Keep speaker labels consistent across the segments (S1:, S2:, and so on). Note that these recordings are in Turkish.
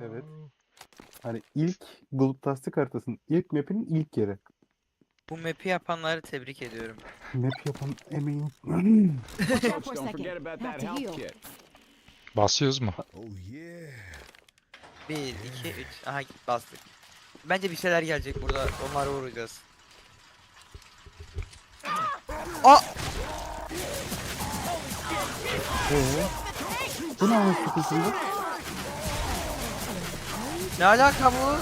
S1: Evet. Hani ilk Gloomtastic haritasının ilk map'inin ilk yeri.
S2: Bu map'i yapanları tebrik ediyorum.
S1: Map yapan emeğin...
S3: Watch out
S4: Coach,
S3: for a
S4: don't
S3: second.
S4: forget about
S3: Have
S4: that
S3: to
S4: health
S3: heal.
S4: kit.
S5: Basıyoruz mu?
S6: Oh yeah.
S2: 1, 2, 3. Aha bastık. Bence bir şeyler gelecek burada. Onlara vuracağız. Aa!
S1: Bu ne anasını satayım?
S2: Ne alaka bu?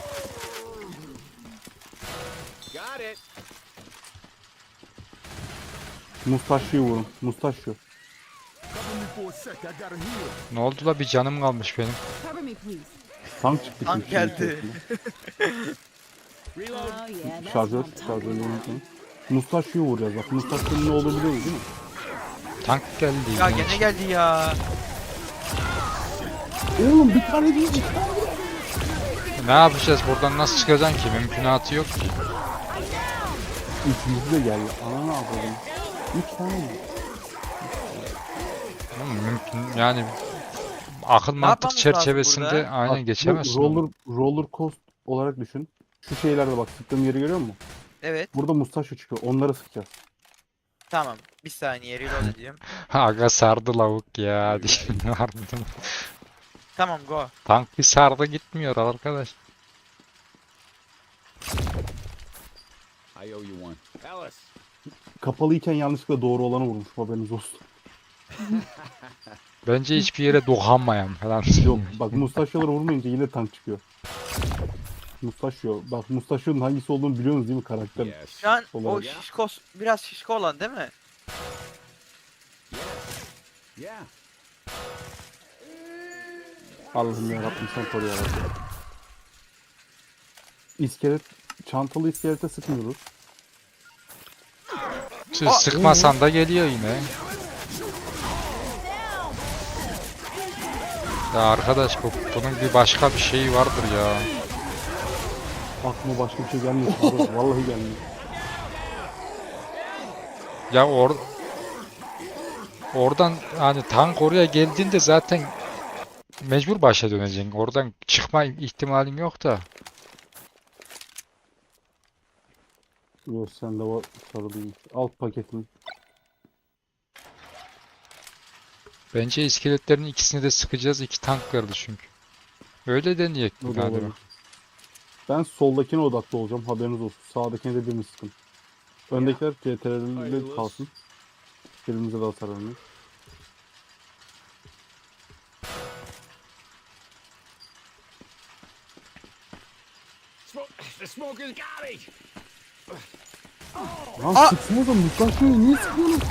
S4: Got it.
S1: Mustaşyo'yu vurun. Mustaşyo.
S6: Cover me for a sec. I gotta heal.
S5: Ne oldu la, bir canım kalmış benim.
S3: Cover me, please.
S1: Tank çıktı.
S2: Tank
S1: çünkü
S2: geldi.
S4: Reload.
S3: Oh yeah, that's
S1: Şarjör.
S3: what I'm talking
S1: Şarjörü
S3: about.
S1: unutmayın. Mustaşyo'yu vuracağız bak. Mustaşyo'nun ne olduğunu biliyoruz değil mi?
S5: Tank geldi
S2: Ya
S5: yine.
S2: gene geldi ya.
S1: Oğlum bir tane değil.
S5: Ne yapacağız, buradan nasıl çıkacaksın ki? Mümkünatı yok ki.
S1: Üçüncü de geldi. Ana ne yapalım? 3 tane mi?
S5: Mümkün yani, akıl mantık
S2: yapmamız lazım
S5: çerçevesinde
S2: burada?
S5: aynen
S1: Bak,
S5: geçemezsin.
S1: bu roller coast olarak düşün. Şu şeylerde bak, sıktığım yeri görüyor musun?
S2: Evet.
S1: Burada Mustaşyo çıkıyor. Onları sıkacağız.
S2: Tamam. Bir saniye reload edeyim.
S5: Aga sardı lavuk ya. diyeyim, harbiden.
S2: Tamam go.
S5: Tank bir sardı gitmiyor arkadaş.
S4: I owe you one. Ellis.
S1: Kapalıyken yanlışlıkla doğru olanı vurmuş. Haberiniz olsun.
S5: Bence hiçbir yere dokunmayan falan.
S1: Yok bak, Mustaşyo'ları vurmayınca yine tank çıkıyor. Mustaşyo. Bak Mustaşyo'nun hangisi olduğunu biliyorsunuz değil mi karakter?
S4: Yes.
S2: Şu an o
S1: Olarak.
S2: şişko, biraz şişko olan değil mi?
S4: Yeah.
S1: Allah'ım yarabbim sen koru yarabbim. İskelet, çantalı iskelete sıkmıyoruz.
S5: Siz sıkmasan da geliyor yine. Ya arkadaş, bunun bir başka bir şeyi vardır ya.
S1: Aklıma başka bir şey gelmiyor. Vallahi gelmiyor.
S5: Ya oradan hani tank oraya geldiğinde zaten mecbur başa döneceksin. Oradan çıkma ihtimalim yok da.
S1: Yok sende var sarılıymış. Alt paketin.
S5: Bence iskeletlerin ikisini de sıkacağız. 2 tank vardı çünkü. Öyle deneyek
S1: O da
S5: hadi
S1: olabilir.
S5: bak.
S1: Ben soldakine odaklı olacağım. Haberiniz olsun. Sağdakine de birini sıkın. Öndekiler CTRL'de kalsın. Birbirimize de hasar vermeyiz.
S4: The smoker's got me.
S1: Lan sıksınız da Mustaşyo'yu niye sıkıyorsun?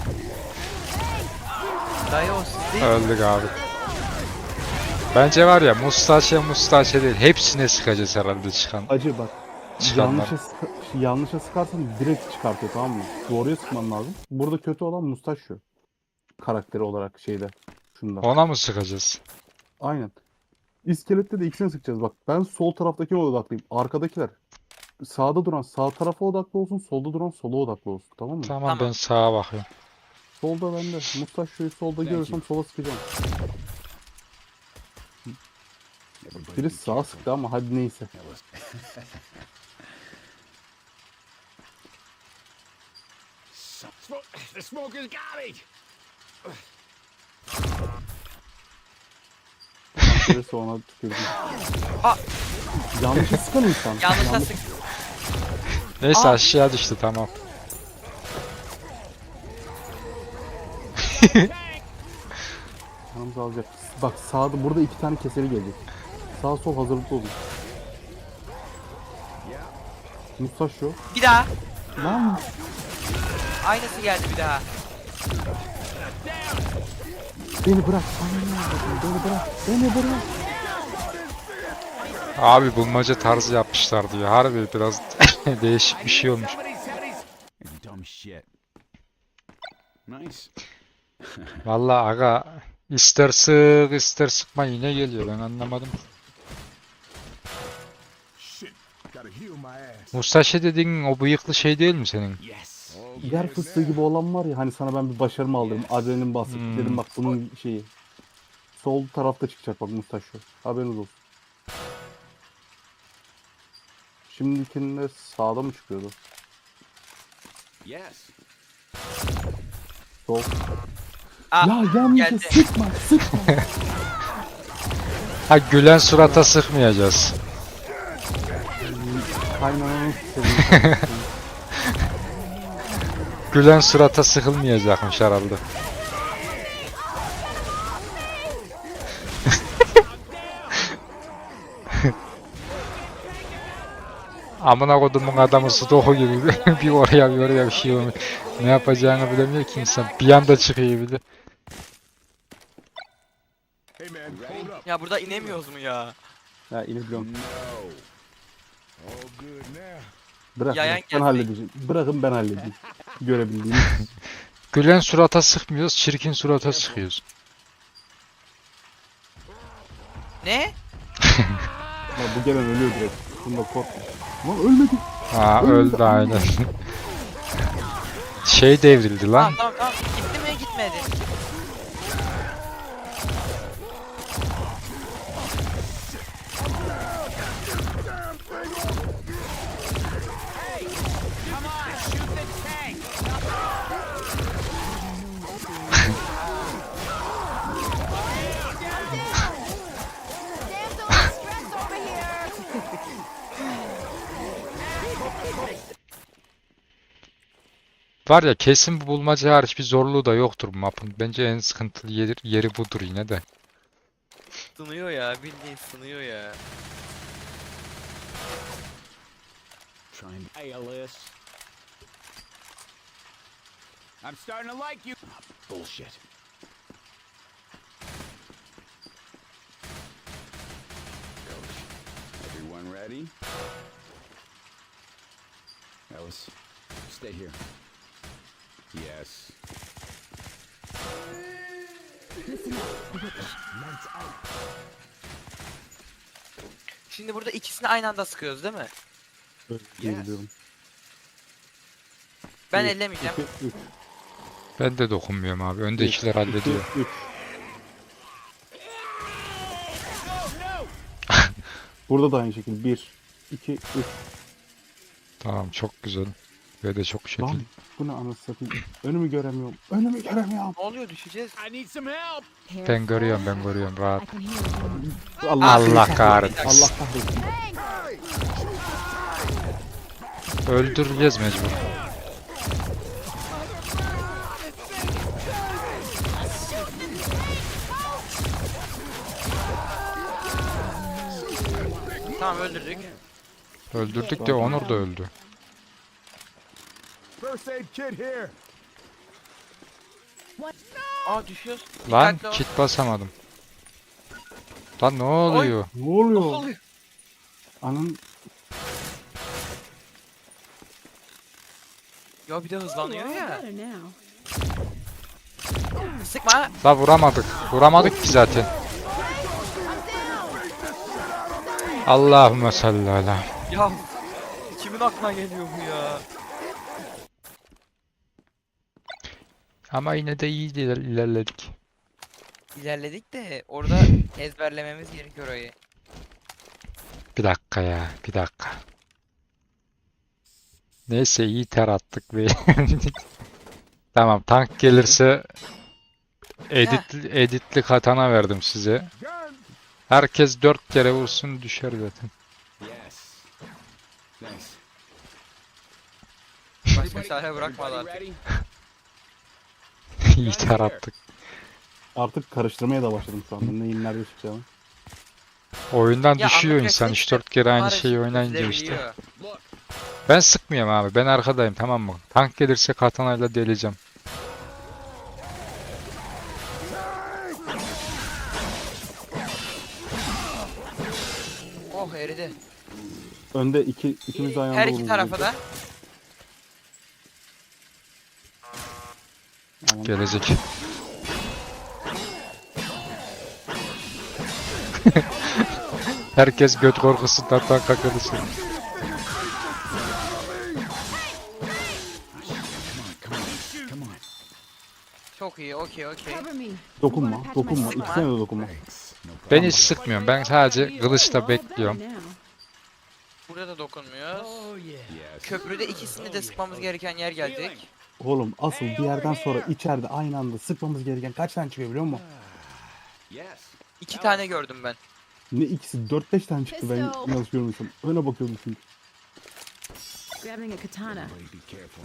S2: Dayı o siz değil.
S5: Öldük abi. Bence var ya, mustache değil. Hepsine sıkacağız herhalde çıkan.
S1: Acı bak.
S5: Çıkanlar.
S1: Yanlışa sıkarsan direkt çıkartıyor, tamam mı? Doğruya sıkman lazım. Burada kötü olan Mustaşyo. Karakteri olarak şeyde. Şunda.
S5: Ona mı sıkacağız?
S1: Aynen. İskelette de ikisini sıkacağız. Bak ben sol taraftakine odaklıyım. Arkadakiler sağda duran sağ tarafa odaklı olsun. Solda duran sola odaklı olsun. Tamam mı?
S5: Tamam,
S2: Tamam.
S5: ben sağa bakıyorum.
S1: Solda bende. Mustaşyo'yu solda görürsem sola sıkacağım. Biri sağa sıktı ama hadi neyse.
S4: The smoker's got me.
S1: Birisi ona tükürdü.
S2: Aa!
S1: Yanlışa sıkan insan.
S2: Yanlışa sık.
S5: Neyse,
S2: Aa!
S5: aşağı düştü, tamam.
S1: Yanımıza alacak. Bak sağda burada 2 tane keseri gelecek. Sağ sol hazırlıklı olun. Mustaşyo.
S2: Bir daha.
S1: Lan
S2: Aynısı geldi bir daha.
S1: beni bırak. Beni bırak. Beni bırak.
S5: Abi bulmaca tarzı yapmışlar diyor. Harbi biraz değişik bir şey olmuş.
S4: Somebody's headies. You dumb shit. Nice.
S5: Vallahi aga, ister sık ister sıkma yine geliyor, ben anlamadım.
S6: Shit. Gotta heal my ass.
S5: Mustache dediğin o bıyıklı şey değil mi senin?
S4: Yes.
S1: Yer fıstığı gibi olan var ya, hani sana ben bir başarımı aldırdım. Adrenalin bastım. Dedim bak bunun şeyi. Sol tarafta çıkacak bak Mustaşyo. Haberiniz olsun. Şimdikinde sağda mı çıkıyordu?
S4: Yes.
S1: Sol.
S2: Aa,
S1: Ya yanlış
S2: geldi.
S1: sıkma sıkma.
S5: Ha, gülen surata sıkmayacağız.
S1: Kaynananı seveyim.
S5: Gülen surata sıkılmayacakmış herhalde. Amına kodumun adamı Sudoku gibi bir oraya bir oraya bir şey olmuş. Ne yapacağını bilemiyor ki insan. Bir anda çıkıyor bir de.
S6: Hey man, hold up.
S2: Ya burada inemiyoruz mu ya?
S1: Ya inebiliyorum.
S4: No.
S6: All good now.
S1: Bırak
S2: Yayan
S1: bırak, ben
S2: geldi.
S1: halledeceğim. Bırakın ben halledeyim. Görebildiğim.
S5: Gülen surata sıkmıyoruz, çirkin surata sıkıyoruz.
S2: Ne?
S1: Ya bu gelen ölüyor direkt. Bunda korkma. Lan ölmedi.
S5: Ha, öldü aynen. Şey devrildi lan.
S2: Tamam tamam tamam. Gitti mi gitmedi.
S5: Var ya, kesin bu bulmaca hariç bir zorluğu da yoktur bu mapın. Bence en sıkıntılı yeri budur yine de.
S2: Sınıyor ya, bildiğin sınıyor ya.
S4: Trying to ALS. I'm starting to like you. Bullshit. Everyone ready? Alice, stay here. Yes.
S2: Şimdi burada ikisini aynı anda sıkıyoruz değil mi?
S1: Öyle diyebiliyorum.
S2: Ben
S1: Bir,
S2: ellemeyeceğim.
S1: 2, 3.
S5: Ben de dokunmuyorum abi. Öndekiler hallediyor.
S1: 3. Burada da aynı şekilde. 1, 2, 3.
S5: Tamam, çok güzel. Ve de çok şekil.
S1: Lan bu ne anasını satayım. Önümü göremiyorum. Önümü göremiyorum.
S2: Ne oluyor, düşeceğiz.
S4: I need some help.
S5: Ben görüyorum
S3: I
S5: rahat.
S3: can hear you.
S1: Allah,
S5: Allah
S1: seni
S5: kahretsin.
S1: Allah kahretsin.
S5: Öldüreceğiz mecbur.
S2: Tamam öldürdük.
S5: Öldürdük de Onur da öldü.
S6: First aid kit here.
S2: Aa düşüyoruz.
S5: Lan
S2: Dikkatli ol.
S5: kit basamadım. Lan ne oluyor?
S1: Ne
S2: Ne
S1: oluyor?
S2: oluyor?
S1: Anın
S2: Ya bir de hızlanıyor ya.
S3: Better now.
S2: Sıkma.
S5: La vuramadık. Vuramadık ki zaten. Allahümme salli ala.
S2: Ya kimin aklına geliyor bu ya?
S5: Ama yine de iyi ilerledik.
S2: İlerledik de orada ezberlememiz gerekiyor orayı.
S5: Bir dakika ya, bir dakika. Neyse, iyi ter attık be. Tamam, tank gelirse editli katana verdim size.
S6: Gun.
S5: Herkes 4 kere vursun, düşer zaten.
S4: Yes. Thanks.
S2: Başka çare bırakmadı artık.
S4: Ready?
S5: İyi ter attık.
S1: artık karıştırmaya da başladım şu anda. Neyin nerede çıkacağını.
S5: Oyundan
S2: Ya
S5: düşüyor
S2: anlatacaksın
S5: insan
S2: işte.
S5: 3-4 kere aynı
S2: Barış
S5: şeyi oynayınca işte.
S2: çizilebiliyor.
S4: Look.
S5: Ben sıkmıyorum abi, ben arkadayım, tamam mı? Tank gelirse katanayla deleceğim.
S2: Oh eridi.
S1: Önde ikimiz de aynı
S2: Her
S1: anda
S2: iki
S1: vururuz.
S2: tarafa da.
S1: Aman.
S5: Gelecek. Herkes göt korkusundan tanka kırılsın.
S4: Come on. Come on.
S2: Çok iyi, okey.
S3: Cover me.
S1: Dokunma,
S3: You wanna patch
S1: dokunma.
S3: my
S1: İkisine de dokunma.
S6: Thanks. No
S5: Ben
S6: problem.
S5: hiç sıkmıyorum. Ben sadece kılıçla
S3: All better
S5: bekliyorum.
S3: now.
S2: Burada da dokunmuyoruz.
S4: Yes.
S2: Köprüde ikisini de sıkmamız gereken yer gelecek.
S1: Oğlum asıl bir yerden sonra içeride aynı anda sıkmamız gereken kaç tane çıkıyor biliyor musun?
S4: Yes.
S2: 2 tane gördüm ben.
S1: Ne ikisi 4-5 tane çıktı ben
S3: Pistol.
S1: yanlış görmüşüm. Öne bakıyordum çünkü.
S3: Grabbing a katana.
S4: Everybody be careful.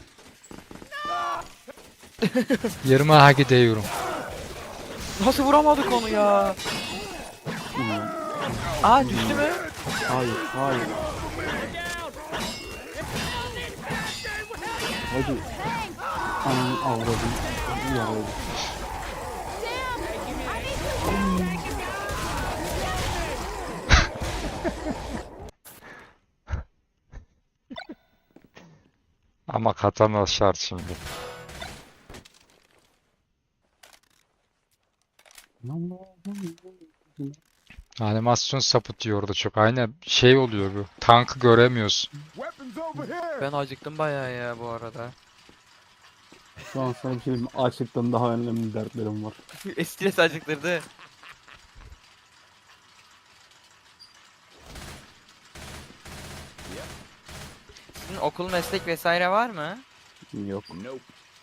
S5: Yerime ha gidiyorum.
S2: Nasıl vuramadık onu ya?
S1: Bilmiyorum.
S2: Aa düştü mü?
S1: Hayır, hayır. Hadi. Ananı avradım. Yaraydı.
S5: Ama katana şart şimdi. Animasyon sapıtıyordu çok. Aynen şey oluyor bu. Tankı göremiyoruz.
S6: Weapons over here.
S2: Ben acıktım bayağı ya bu arada.
S1: Şu an sana bir şey diyeyim mi? Açlıktan daha önemli dertlerim var.
S2: Stres acıktırdı. Sizin okul meslek vesaire var mı?
S1: Yok.
S4: Nope.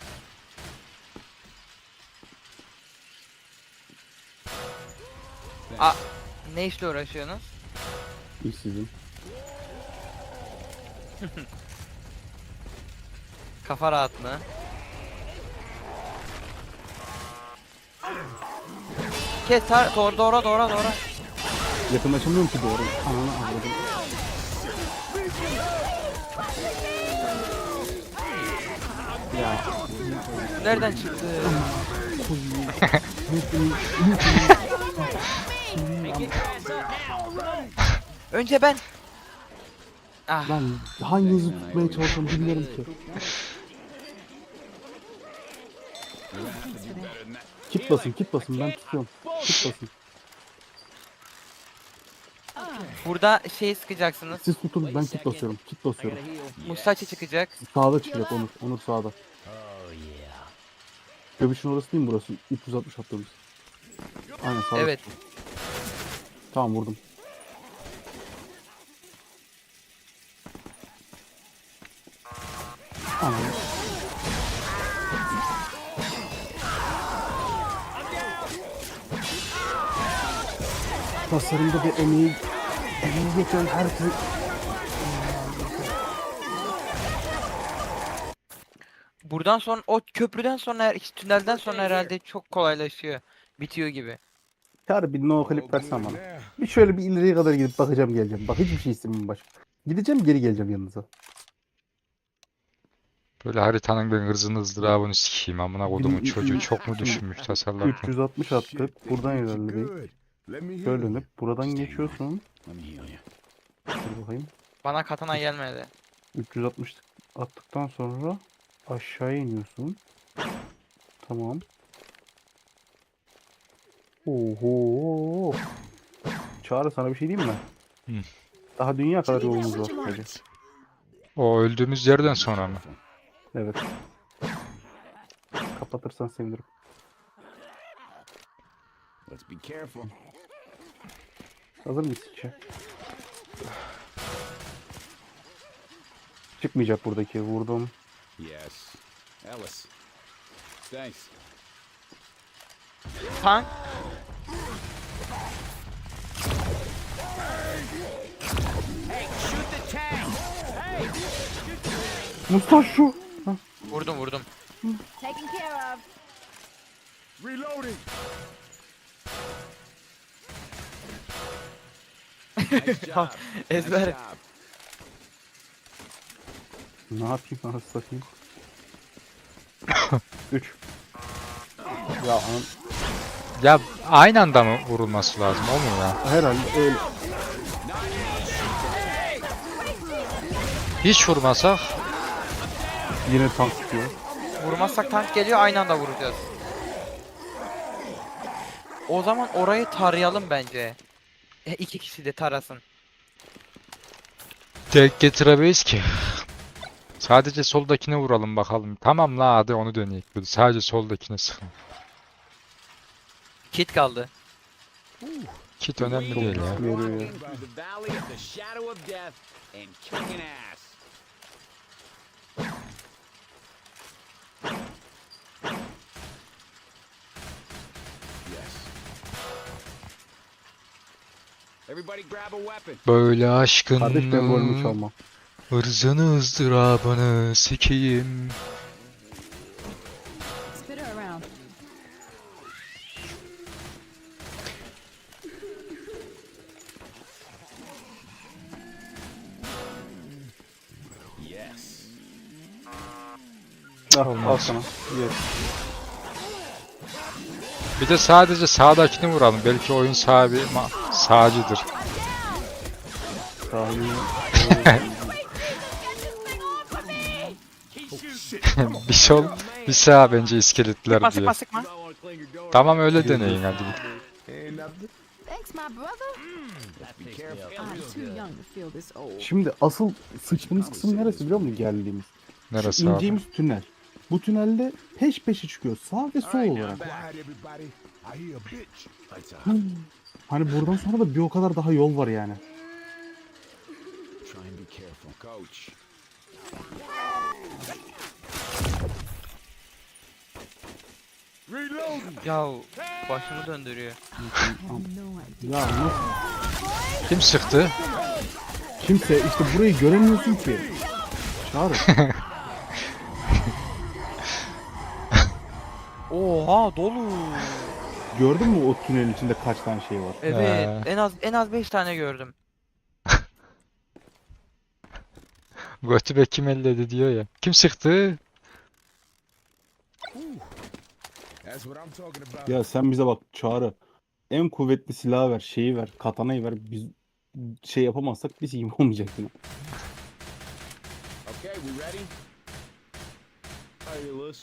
S2: Ne işle uğraşıyorsunuz?
S1: İşsizim.
S2: Kafa rahat mı? Kes doğra.
S1: Yakınlaşamıyorum ki doğru. Ananı avradım. Ya.
S2: Nereden çıktı? Önce ben. Ah,
S1: Lan hanginizi tutmaya çalışıyorum bilmiyorum ki. Kit basın ben tutuyorum. Kit basın.
S2: burada şey sıkacaksınız.
S1: Siz tutun ben kit basıyorum. Kit basıyorum.
S2: Mustache çıkacak.
S1: Sağda çıkacak Onur. Onur sağda. Göbüşün orası değil mi burası? 360 attığımız. Aynen sağda.
S2: Evet.
S1: Tamam vurdum. Anam. Tasarımda bir emeği geçen herkes
S2: Buradan sonra o köprüden sonra tünelden sonra herhalde çok kolaylaşıyor. Bitiyor gibi.
S1: Çağrı bir no
S6: All
S1: clip
S6: good
S1: versen bana.
S6: now.
S1: Bir şöyle bir ileriye kadar gidip bakacağım geleceğim. Bak hiçbir şey istemiyorum başka. Gideceğim geri geleceğim yanınıza.
S5: Böyle haritanın ben hırzını ızdırabını sikeyim. Amına kodumun çocuğu çok mu düşünmüş tasarlarken.
S1: 360 attık. Buradan
S6: Think you're
S1: ilerledik.
S6: good. Let me heal
S1: Şöyle
S6: you.
S1: dönüp buradan geçiyorsun.
S4: Let me heal you.
S1: Dur bakayım.
S2: Bana katana gelmedi.
S1: 360 attıktan sonra aşağıya iniyorsun. Tamam. Oho. Çağrı sana bir şey diyeyim mi?
S5: Hı.
S1: Daha dünya kadar yolumuz var. Hadi.
S5: O öldüğümüz yerden sonra mı?
S1: Evet. Kapatırsan sevinirim.
S4: Let's be careful.
S1: Hazır mıyız ki? Çıkmayacak buradaki. Vurdum.
S4: Yes. Ellis. Thanks.
S2: Tank.
S1: Mustaş şu. Hah.
S2: Vurdum.
S3: Taken care of.
S6: Reloading.
S4: Nice job.
S2: Ezber.
S4: Nice job.
S1: Ne yapayım anasını satayım. 3. Ya an
S5: Ya aynı anda mı vurulması lazım o mu ya?
S1: herhalde öyle.
S5: Hiç vurmasak
S1: Yine tank tutuyor.
S2: Vurmazsak tank geliyor, aynı anda vuracağız. O zaman orayı tarayalım bence. İki kişi de tarasın.
S5: denk getiremeyiz ki. Sadece soldakine vuralım bakalım. Tamam la hadi onu deneyek. Böyle sadece soldakine sıkın.
S2: Kit kaldı.
S5: Kit önemli değil ya.
S1: Veriyor ya.
S4: Walking through the valley of the shadow of death and kicking ass. Yes. Everybody grab a weapon.
S5: Böyle aşkın
S1: Kardeş ben golümü çalmam.
S5: ırzını ızdırabını sikeyim.
S3: Spit her around.
S4: Yes.
S1: Al sana. Yes.
S5: Bir de sadece sağdakini vuralım. Belki oyun sahibi sağcıdır.
S1: Saniye.
S5: Bir sol, bir sağ bence iskeletler
S2: Sıkma
S5: diyor.
S2: sıkma sıkma.
S5: Tamam öyle deneyin hadi.
S3: Thanks, my brother.
S4: Be careful.
S3: I'm too young to feel this old.
S1: Şimdi asıl sıçtığımız kısım neresi biliyor musun geldiğimiz?
S5: Neresi abi?
S1: İneceğimiz tünel. Bu tünelde peş peşe çıkıyor. Sağ ve sol olarak.
S6: Quiet, everybody. I hear a bitch.
S4: Lights out.
S1: Hani buradan sonra da bir o kadar daha yol var yani.
S4: Try and be careful. Coach.
S6: Reloading.
S2: Ya başımı döndürüyor.
S3: I have no idea.
S1: Ya nasıl?
S5: Kim sıktı?
S1: Kimse işte burayı göremiyorsun ki. Çağır.
S2: Oha dolu.
S1: Gördün mü o tünelin içinde kaç tane şey var?
S2: Evet en az 5 tane gördüm.
S5: Götübe kim elledi diyor ya. Kim sıktı?
S6: That's what I'm talking about.
S1: Ya sen bize bak Çağrı. En kuvvetli silahı ver, şeyi ver, katanayı ver. Biz şey yapamazsak biz iyi olmayacak yine.
S4: Okay, we ready? Ayılız.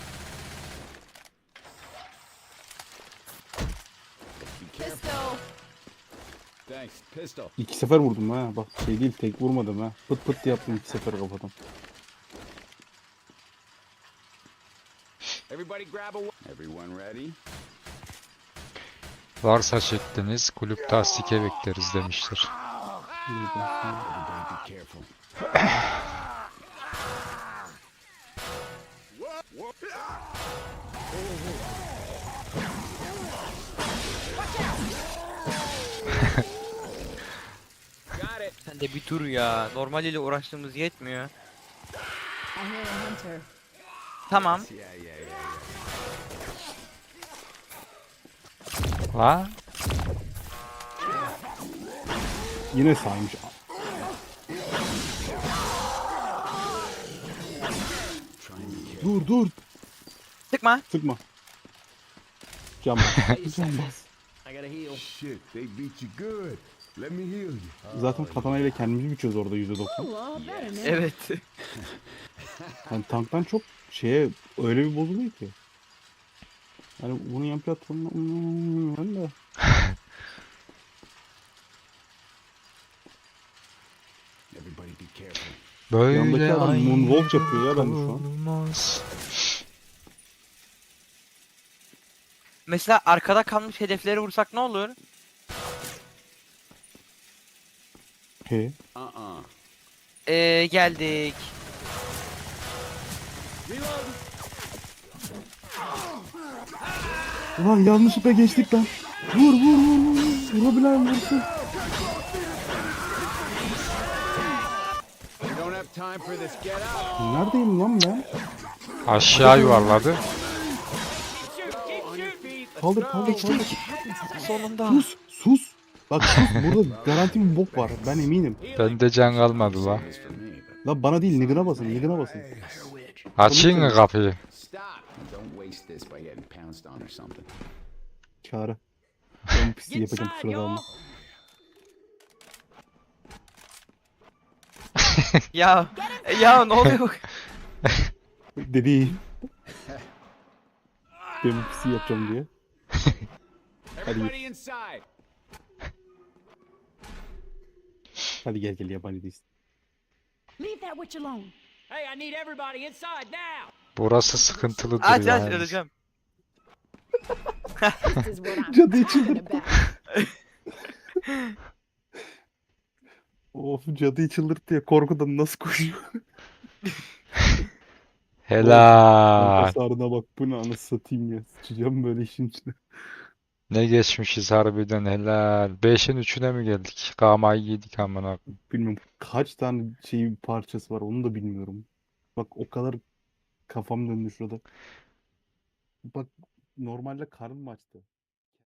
S4: Be careful.
S3: Pistol.
S4: Thanks. Pistol.
S1: 2 sefer vurdum ha. Bak şey değil tek vurmadım ha. Pıt pıt diye yaptım 2 sefer kafadan.
S4: Everybody grab a Everyone ready?
S5: Varsa şekliniz kulüp tasdike bekleriz demiştir.
S4: Everybody be careful. Got it.
S2: Sen de bir dur ya. Normaliyle uğraştığımız yetmiyor.
S3: I hear a hunter.
S2: Tamam.
S4: Yeah, yeah, yeah.
S5: La?
S1: Yine saymış. Dur dur.
S2: Sıkma.
S1: Sıkma. Cam bas. Cam bas.
S4: I gotta heal.
S6: Shit, they beat you good. Let me heal you.
S1: Zaten katanayla kendimizi biçiyoruz orada %90.
S3: Oh, better now.
S2: Evet.
S1: Yani tanktan çok şeye öyle bir bozuluyor ki. Yani bunu yan platformuna ben de.
S4: Everybody be careful.
S5: Böyle
S1: Yandaki adam
S5: ay
S1: moonwalk yapıyor ya ben de şu an.
S5: olmaz.
S2: Mesela arkada kalmış hedefleri vursak ne olur?
S1: He.
S4: Uh-uh.
S2: Geldik.
S1: Ulan yanlışlıkla geçtik lan. Vur vur vur vur. Vurabilen vursun.
S4: We don't have time for this. Get out.
S1: Neredeyim lan ben?
S5: Aşağı yuvarladı.
S1: Kaldır kaldır kaldır.
S2: Sonunda.
S1: Sus sus. Bak sus burada garanti bir bok var ben eminim.
S5: Bende can kalmadı la.
S4: This for me, but
S1: Lan bana değil Nigına basın Nigına basın.
S5: Açayım mı kapıyı?
S4: stop. Don't waste this by getting pounced on or something.
S1: Çağrı. Ben bu pisliği yapacağım kusura kalma.
S2: Ya ne oluyor?
S1: Dedi. Ben bu pisliği yapacağım diye.
S4: Everybody inside.
S1: Hadi gel gel yabancı değilsin.
S3: Leave that witch alone.
S7: Hey, I need everybody inside now!
S5: Burası sıkıntılıdır
S2: Aç
S5: yani.
S2: öleceğim.
S3: This is what I'm
S1: Cadı
S3: talking
S1: çıldırdı.
S3: about.
S1: Of, cadıyı çıldırttı ya, korkudan nasıl koşuyor? Kanka
S5: Helal.
S1: sarına bak, bu ne anasını satayım ya. Sıçacağım böyle işin içine.
S5: Ne geçmişiz harbiden helal. 5'in 3'üne mi geldik? Kamayı yedik amına.
S1: Bilmiyorum kaç tane şey parçası var, onu da bilmiyorum. Bak o kadar kafam döndü şurada. Bak, normalde karnım açtı.